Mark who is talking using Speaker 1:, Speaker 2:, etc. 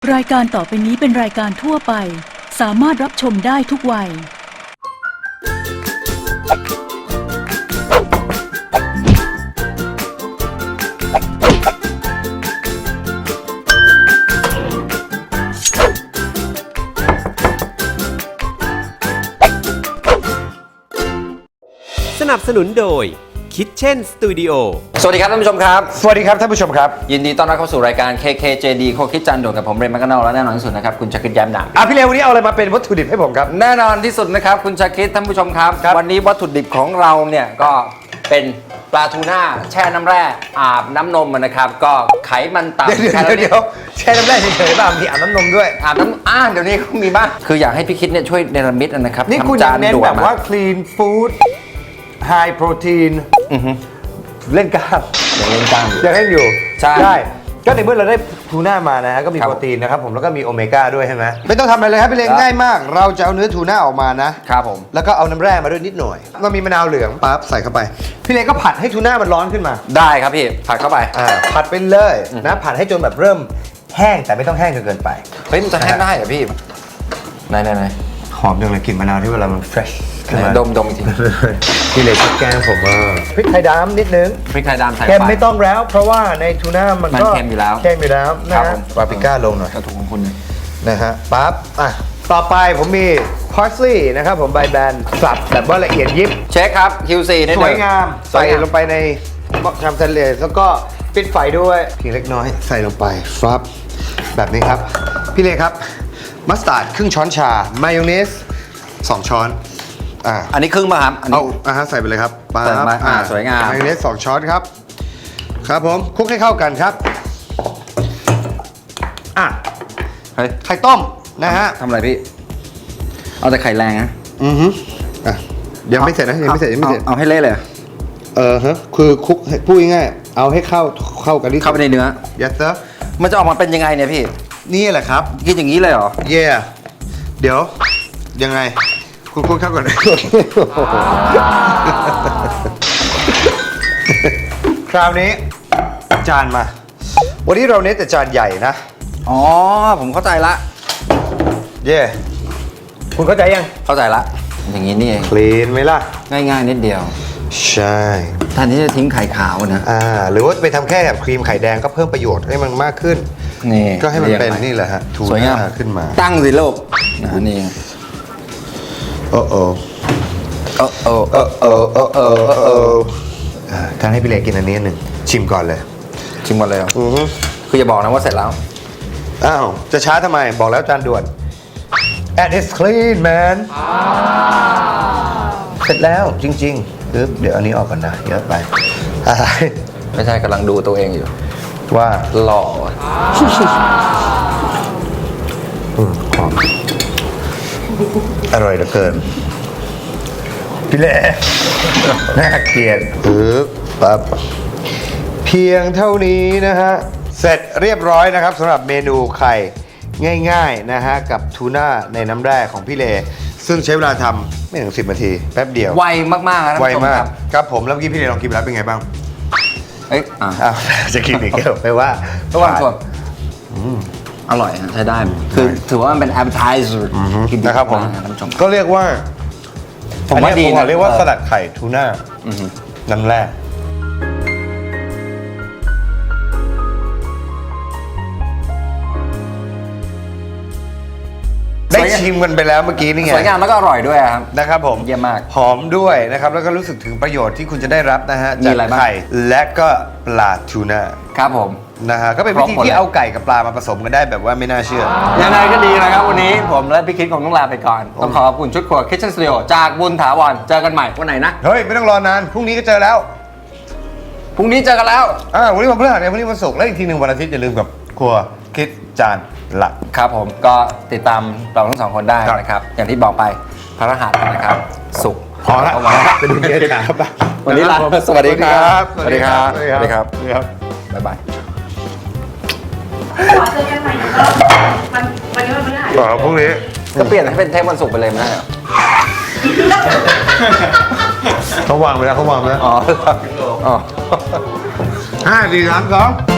Speaker 1: รายการต่อไปนี้เป็นรายการทั่วไปสามารถรับชมได้ทุกวัย
Speaker 2: สนับสนุนโดย Kitchen Studio
Speaker 3: สวัสดีครับท่านผู้ชมครับ
Speaker 4: สวัสดีครับท่านผู้ชมครับ
Speaker 3: ยินดีต้อนรับเข้าสู่รายการ KKJD โคคิดจันโดดกับผมเรนแมคกานอลและแน่นอนที่สุดนะครับคุณชาคิดแย้มหนัก
Speaker 4: พี่เลวันนี้เอาอะไรมาเป็นวัตถุดิบให้ผมครับ
Speaker 3: แน่นอนที่สุดนะครับคุณชาคิดท่านผู้ชมครับ วันนี้วัตถุดิบของเราเนี่ยก็เป็นปลาทูน่าแช่น้ำแร่อาบน้ำนมนะครับก็ไขมันต่ำ
Speaker 4: เดี๋ยวแช่น้ำแร่เฉยๆป่ะมีอาบน้ำนมด้วย
Speaker 3: อาบน้ำเดี๋ยวนี้เขามีบ้างคืออยากให้พี่คิดเนี่ยช่วยเนรมิตนะครับ
Speaker 4: นี่คุณ
Speaker 3: ทำ
Speaker 4: ยังเน้น
Speaker 3: ด่ว
Speaker 4: แบบว่า clean food high protein เล่นกล้าม
Speaker 3: อย่างเล่นกล้ามอยู่
Speaker 4: ยังเล่นอยู่
Speaker 3: ใช่
Speaker 4: ได้ก็ในเมื่อเราได้ทูน่ามานะฮะก็มี
Speaker 3: ครับ
Speaker 4: โปรตีนนะครับผมแล้วก็มีโอเมก้าด้วยใช่ไหมไม่ต้องทำอะไรเลยครับพี่เล
Speaker 3: ครับ
Speaker 4: ง่ายมาก เราจะเอาเนื้อทูน่าออกมานะครับ
Speaker 3: ผม
Speaker 4: แล้วก็เอาน้ำแร่มาด้วยนิดหน่อยเรามีมะนาวเหลืองปั๊บใส่เข้าไปพี่เลก็ผัดให้ทูน่ามันร้อนขึ้นมา
Speaker 3: ได้ครับพี่ผัดเข้าไป
Speaker 4: ผัดไปเลยนะผัดให้จนแบบเริ่มแห้งแต่ไม่ต้องแห้งจนเกินไป
Speaker 3: เฮ้ยมันจะแห้งได้เหรอพี่ไหน
Speaker 4: หอมจังเลยกลิ่นมะนาวที่เวลามัน fresh ขึ้นมา
Speaker 3: ดมอีกที
Speaker 4: พี่เลยแกงผมว่าพริกไทยดำนิดนึง
Speaker 3: พริกไทยดำใส่
Speaker 4: เค็ม
Speaker 3: ไป
Speaker 4: ไม่ต้องแล้ว เพราะว่าในทูน่ามันก็
Speaker 3: มันเค็มอยู่แล้ว
Speaker 4: เค็มอยู่แล้วนะครับ
Speaker 3: ผม
Speaker 4: ปาปริก้าลงหน่อย
Speaker 3: กระถูกของคุณเนี่ย
Speaker 4: นะฮะปั๊บต่อไปผมมี parsley นะครับผมใบแบนสับแบบว่าละเอียดยิบ
Speaker 3: เช็คครับ QC นิด
Speaker 4: ส
Speaker 3: นึ
Speaker 4: วยงาม
Speaker 3: สว
Speaker 4: ใส่
Speaker 3: ยงาม
Speaker 4: ลงไปในหม้อทำทะเลแล้วก็ปิดไฟด้วยเพียงเล็กน้อยใส่ลงไปฟับแบบนี้ครับ พี่เลครับมัสตาร์ดครึ่งช้อนชามายองเนส2 ช้อน
Speaker 3: อันนี้ครึ่งป่ะครับอันนี้
Speaker 4: ใส่ไปเลยครับปั๊บ
Speaker 3: ใส่ไปสวยงาม
Speaker 4: มายองเนส2 ช้อนครับครับผมคลุกให้เข้ากันครับ
Speaker 3: เฮ้ย
Speaker 4: ไข่ต้มนะฮะ
Speaker 3: ทำอะไรพี่ เอาแต่ไข่แรงนะ
Speaker 4: ยังไม่เสร็จนะยังไม่เสร็จ
Speaker 3: เอาให้เละเลย
Speaker 4: คือคลุกพูดง่ายๆเอาให้เข้ากันที่
Speaker 3: เข้าไปในเนื้อ
Speaker 4: yes sir
Speaker 3: มันจะออกมาเป็นยังไงเนี่ยพี่
Speaker 4: นี่แหละครับ
Speaker 3: กินอย่างนี้เลยเหรอ
Speaker 4: เย่เดี๋ยวยังไงคุณเข้าก่อน คราวนี้จานมา วันนี้เราเน้นแต่จานใหญ่นะ
Speaker 3: อ๋อผมเข้าใจละ
Speaker 4: เย่คุณเข้าใจยัง
Speaker 3: เข้าใจละ อย่างนี้นี่เอง
Speaker 4: คลีนไหมล่ะ
Speaker 3: ง่ายๆนิดเดียว
Speaker 4: ใช่
Speaker 3: แทนที่จะทิ้งไข่ขาวนะ
Speaker 4: หรือว่าไปทำแค่แบบครีมไข่แดงก็เพิ่มประโยชน์ให้มันมากขึ้น
Speaker 3: นี่
Speaker 4: ก็ให้มันเป็น
Speaker 3: รียงไ
Speaker 4: นี่แหละฮะทู
Speaker 3: สวยงาม
Speaker 4: น่าขึ้นมา
Speaker 3: ตั้งสิโลกนี่
Speaker 4: โอ้โอ้ท่านให้พี่เล็กกินอันนี้หนึ่งชิมก่อนเลย
Speaker 3: ชิมก่อนเลยเหรอคืออย่าบอกนะว่าเสร็จแล้ว
Speaker 4: อ้าวจะช้าทำไมบอกแล้วจานด่วน and it's clean man เสร็จแล้วจริงๆเดี๋ยวอันนี้ออกก่อนนะเยอะไปอะไร
Speaker 3: ไม่ใช่กำลังดูตัวเองอยู่
Speaker 4: ว่า
Speaker 3: หล่อ
Speaker 4: หอมอร่อยเหลือเกินพี่เล็กน่าเกลียดปั๊บเพียงเท่านี้นะฮะเสร็จเรียบร้อยนะครับสำหรับเมนูไข่ง่ายๆนะฮะกับทูน่าในน้ำแร่ของพี่เลซึ่งใช้เวลาทำไม่ถึง10 นาทีแป๊บเดียว
Speaker 3: ไวมากๆนะท่าน
Speaker 4: ไว
Speaker 3: ผู้ชม
Speaker 4: มา
Speaker 3: ค
Speaker 4: ก
Speaker 3: รับ
Speaker 4: ครับผมแล้วเมื่อกี้พี่เลลองกินไปแล้วเป็นไงบ้าง
Speaker 3: เอ้ย
Speaker 4: จะกินอีกแล้วแปลว่า
Speaker 3: ระหว่างชมอร่อยฮะใช้ได้ คือถือว่ามันเป็น appetizer กินดี
Speaker 4: นะครับผม
Speaker 3: ากท่านผู้ชม
Speaker 4: ก็เรียกว่า
Speaker 3: ผมว่าดี
Speaker 4: อัน
Speaker 3: นะ
Speaker 4: นี้เรียกว่าสลัดไข่ทูน่าน้ำแร่ได้ชิมกันไปแล้วเมื่อกี้นี่ไง
Speaker 3: สวยงามแล้วก็อร่อยด้วยครับ
Speaker 4: นะครับผม
Speaker 3: เยี่ยมมาก
Speaker 4: หอมด้วยนะครับแล้วก็รู้สึกถึงประโยชน์ที่คุณจะได้รับนะฮะ
Speaker 3: มี
Speaker 4: จาก
Speaker 3: อะไรบ้าง
Speaker 4: ไข่และก็ปลาทูน่า
Speaker 3: ครับผม
Speaker 4: นะฮะก็เป็นวิธีที่เอาไก่กับปลามาผสมกันได้แบบว่าไม่น่าเชื่อ
Speaker 3: ยังไงก็ดีนะครับวันนี้ผมและพี่คิดคงต้องลาไปก่อน ต้องขอบคุณชุดครัว Kitchen Studio จากบุญถาวรเจอกันใหม่วันไหนนะ
Speaker 4: เฮ้ยไม่ต้องรอนานพรุ่งนี้ก็เจอแล้ว
Speaker 3: พรุ่งนี้เจอกันแล้ว
Speaker 4: วันนี้วันพฤหัสเนี่ยวันนี้วันศุกร์แล้วอีกทีหนึ่งวันอาทิตย์อย่าลืมกับครัวคิดจานหลัก
Speaker 3: ครับผมก็ติดตามเราทั้งสองคนได้นะครับ อย่างที่บอกไปพระรหัสนะครับศุกร์
Speaker 4: พอละ
Speaker 3: เอาไว้
Speaker 4: ไปดูเกสครับ
Speaker 3: วันนี้ลาสวัสดีครับ
Speaker 4: สวัสดีครับ
Speaker 3: สวัสดีครับ
Speaker 4: สวัสดีครับ
Speaker 3: บ๊ายบาย
Speaker 5: ขอเจอกันใหม่ก็วันนี้วันพฤหัส
Speaker 4: พรุ่งนี้
Speaker 3: ก็เปลี่ยนให้เป็นเทปวันศุกร์ไปเลยไม่ได้เหรอ
Speaker 4: เขาวางไปแล้วเขาวางไปแล้ว
Speaker 3: อ๋อ
Speaker 4: 5 4 3 2